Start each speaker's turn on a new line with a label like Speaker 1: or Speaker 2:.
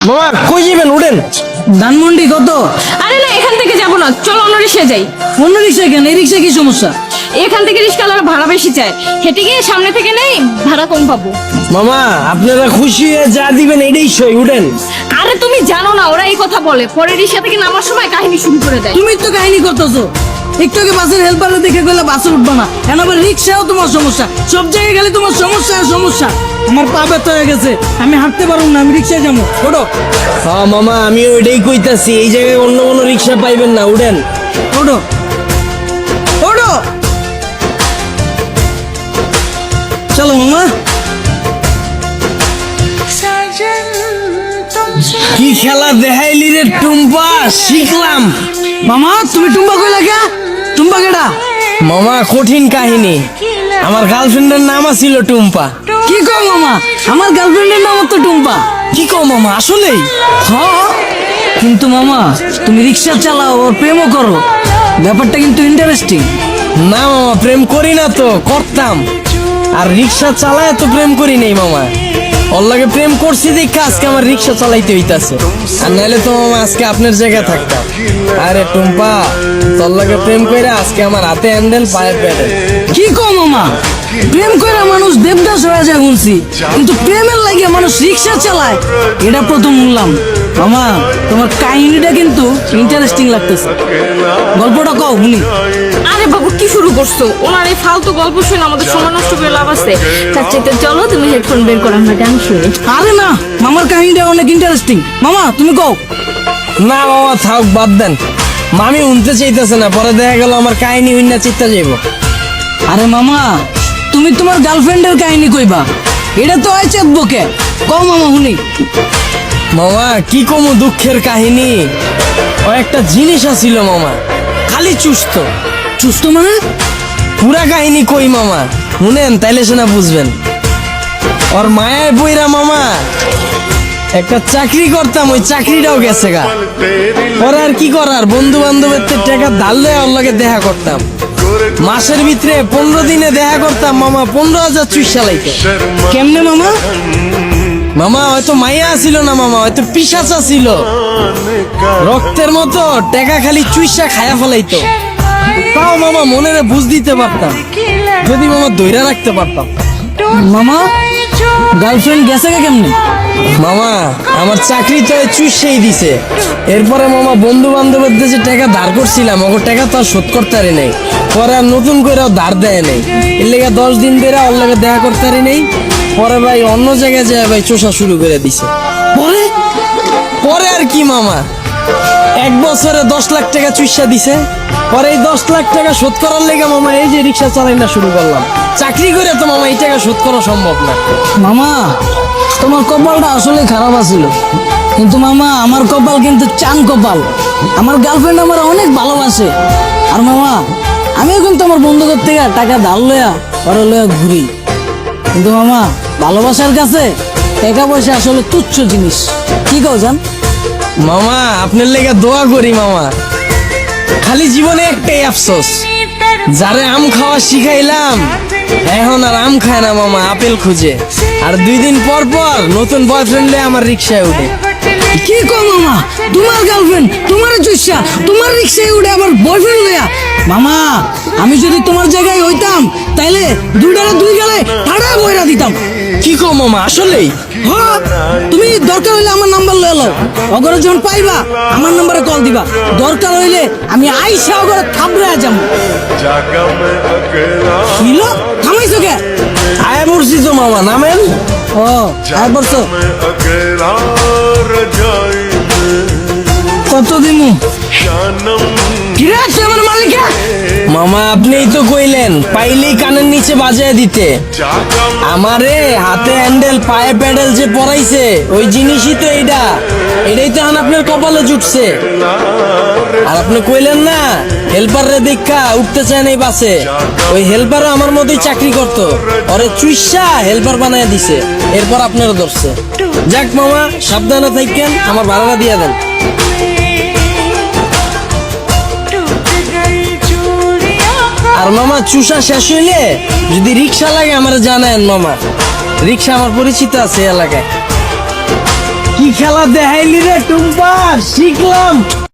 Speaker 1: মামা কই যাবেন? উঠেন।
Speaker 2: ধানমন্ডি কত?
Speaker 3: আরে না, এখান থেকে যাবো না, চলো অন্য রিক্সায় যাই।
Speaker 2: অন্য রিক্সায় কেন? এই রিক্সায় কি সমস্যা?
Speaker 3: এখান থেকে রিক্সাওয়ালারা ভাড়া বেশি চায়, হেঁটে গিয়ে সামনে থেকে নেই, ভাড়া কম পাবো।
Speaker 1: মামা আপনারা খুশি হয়ে যা দিবেন এটাই সই। উঠেন।
Speaker 3: আরে তুমি জানো না, ওরা এই কথা বলে, পরে রিক্সা থেকে নামার সময় কাহিনী শুরু করে দেয়।
Speaker 2: তুমি তো কাহিনী করতেছো। একটু আগে বাসের হেল্পারে দেখে গেলে বাসে উঠবা না, এখন আবার রিক্সাও তোমার সমস্যা। সব জায়গায় গেলে তোমার সমস্যা আর সমস্যা। আমার পা ব্যথা হয়ে গেছে, আমি হাঁটতে পারবো না, আমি রিক্সায় যাবো। ওঠো
Speaker 1: হ্যাঁ মামা, আমি ওইটাই কইতাছি, এই জায়গায় অন্য কোনো রিক্সা পাইবেন না। উঠেন।
Speaker 2: ওঠো ওঠো, চলো মামা।
Speaker 1: কি খেলা দেখাইলি রে টুম্পা, শিখলাম।
Speaker 2: মামা তুমি টুম্বা কই লাগা? টুম্বা কেডা?
Speaker 1: মামা কঠিন কাহিনী, আমার গার্লফ্রেন্ডের নাম ছিল টুম্পা।
Speaker 2: কি কও মামা? আমার গার্লফ্রেন্ডের নাম তো টুম্পা।
Speaker 1: কি কও মামা, আসলেই?
Speaker 2: হ্যাঁ, কিন্তু মামা তুমি রিক্সা চালাও আর প্রেমও করো, ব্যাপারটা কিন্তু ইন্টারেস্টিং।
Speaker 1: না মামা, প্রেম করি না তো, করতাম। আর রিক্সা চালায় তো প্রেম করি নাই মামা। ওর লাগে প্রেম করছি দেখে আজকে আমার রিক্সা চালাইতে হইতাছে, আর নাহলে তো মামা আজকে আপনার জায়গায় থাকতাম। আরে টুম্পা, তোর লাগে প্রেম কইরা আজকে আমার হাতে হ্যান্ডেল, পায়ে প্যাডেল।
Speaker 2: কি কও মামা? প্রেম কইরা মানুষ দেবদাস হয়ে যায় শুনছি, কিন্তু প্রেমের লাগে মানুষ রিক্সা চালায় এটা প্রথম শুনলাম। মামা তোমার কাহিনীটা কিন্তু ইন্টারেস্টিং লাগতেছে, গল্পটা কও শুনি।
Speaker 3: আরে বাবু কি শুরু করছো? ওনার এই ফালতু গল্প শুনে আমাদের সময় নষ্ট করে লাভ আছে। তার চাইতে চলো তুমি হেডফোন বের করো, আমরা গান শুনি।
Speaker 2: আরে না, মামার কাহিনীটা অনেক ইন্টারেস্টিং। মামা তুমি কও।
Speaker 1: না মামা থাক, বাদ দেন। মামি উনতে চাইতেছে না, পরে দেখা গেল আমার কাহিনী উন্না চিত্তা যাইব।
Speaker 2: আরে মামা তুমি তোমার গার্লফ্রেন্ডের কাহিনী কইবা, এটা তো হয় চেতবকে। কও মামা শুনি।
Speaker 1: মামা কি কমু দুঃখের কাহিনী, ও একটা জিনিস আছিল মামা, খালি চুস্ত।
Speaker 2: সুস্থ মানে?
Speaker 1: পুরা কাহিনী কই মামা, শুনেন তাইলে সেনা বুঝবেন। ওর মায়ের বইরা মামা একটা চাকরি করতাম, ওই চাকরিটাও গেছে গা। ওর আর কি করার, বন্ধু বান্ধবের টাকা ধারলে ওর লগে দেখা করতাম। মাসের ভিতরে 15 দিনে দেখা করতাম মামা, 15,000 চুইসা লাইতো।
Speaker 2: কেমনে মামা?
Speaker 1: মামা হয়তো মাইয়া ছিল না মামা, হয়তো পিশাচা ছিল, রক্তের মতো টাকা খালি চুইসা খায়া ফেলাইতো। তাও মামা মনেরে বুঝ দিতে পারতাম, যদি মামা দইরা রাখতে পারতাম।
Speaker 2: মামা গার্লফ্রেন্ড গেছে কে কেমনে?
Speaker 1: মামা আমার চাকরি তো চুষেই দিছে। এরপরে মামা বন্ধু বান্ধবের দেশে টাকা ধার করছিলাম, ওর টাকা তো আর শোধ করতে পারি নাই। পরে আর নতুন করে ধার দেয় নাই, এর লেগে 10 দিন ধরে ওর লগে দেখা করতে পারি নাই। পরে ভাই অন্য জায়গায় যায় ভাই চোষা শুরু করে দিছে।
Speaker 2: পরে
Speaker 1: পরে আর কি মামা, 1 বছরে 10 লাখ টাকা চুষা দিছে। পরে এই 10 লাখ টাকা শোধ করার লেগে মামা এই যে রিক্সা চালাই না শুরু করলাম। চাকরি করে তো মামা এই টাকা শোধ করা সম্ভব না।
Speaker 2: মামা তোমার কপালটা আসলে খারাপ আছিল, কিন্তু মামা আমার কপাল কিন্তু চান কপাল। আমার গার্লফ্রেন্ড আমার অনেক ভালোবাসে। আর মামা আমিও কিন্তু আমার বন্ধুদের থেকে টাকা ধার লইয়া পরে লইয়া ঘুরি, কিন্তু মামা ভালোবাসার কাছে টাকা পয়সা আসলে তুচ্ছ জিনিস। কি কও জান?
Speaker 1: মামা আপনার লেগে দোয়া করি মামা, খালি জীবনে একটাই আফসোস, যারে আম খাওয়া শিখাইলাম এখন আর আম খায় না মামা, আপেল খুঁজে। আর 2 দিন পর পর নতুন বয়ফ্রেন্ডে আমার রিক্সায় উঠে।
Speaker 2: কি কও মামা? তোমার গার্লফ্রেন্ড তোমার চুষা তোমার রিক্সায় উঠে আবার বয়ফ্রেন্ড লইয়া? মামা আমি যদি তোমার জায়গায় হইতাম তাইলে 2 গেলে ঠাড়া বইরা দিতাম।
Speaker 1: কি কো মামা, আসলেই?
Speaker 2: হ্যাঁ, তুমি দরকার হইলে আমার নাম্বার লয়ে লও, অগরে যখন পাইবা আমার নম্বরে কল দিবা। দরকার হইলে আমি আইসা অগরে থাবড়ায়া যাবো। কিলো থামাইছো কে?
Speaker 1: আয় পড়ছি তো মামা, নামেন।
Speaker 2: ও আর বলছো কত দিমু? কিরে তুই আমার মালিকা?
Speaker 1: মামা আপনিই তো কইলেন পাইলেই কানের নিচে বাজায় দিতে। আমারে হাতে হ্যান্ডেল পায়ে প্যাডেল যে পরাইছে ওই জিনিসই তো এইটা, এটাই তো এখন আপনার কপালে জুটছে। আর আপনি কইলেন না হেল্পার রে দেখা উঠতে চায় নাই বাসে, ওই হেল্পারও আমার মতোই চাকরি করতো, ওরে চুইসা হেল্পার বানায় দিছে, এরপর আপনারও ধরছে। যাক মামা সাবধানে থাকেন, আমার ভাড়াটা দিয়ে দেন। আর মামা চুষা শেষ হইলে যদি রিক্সা লাগে আমার জানায়েন মামা, রিক্সা আমার পরিচিত আছে এলাকায়। কি খেলা দেখাইলি রে টুম্পা, শিখলাম।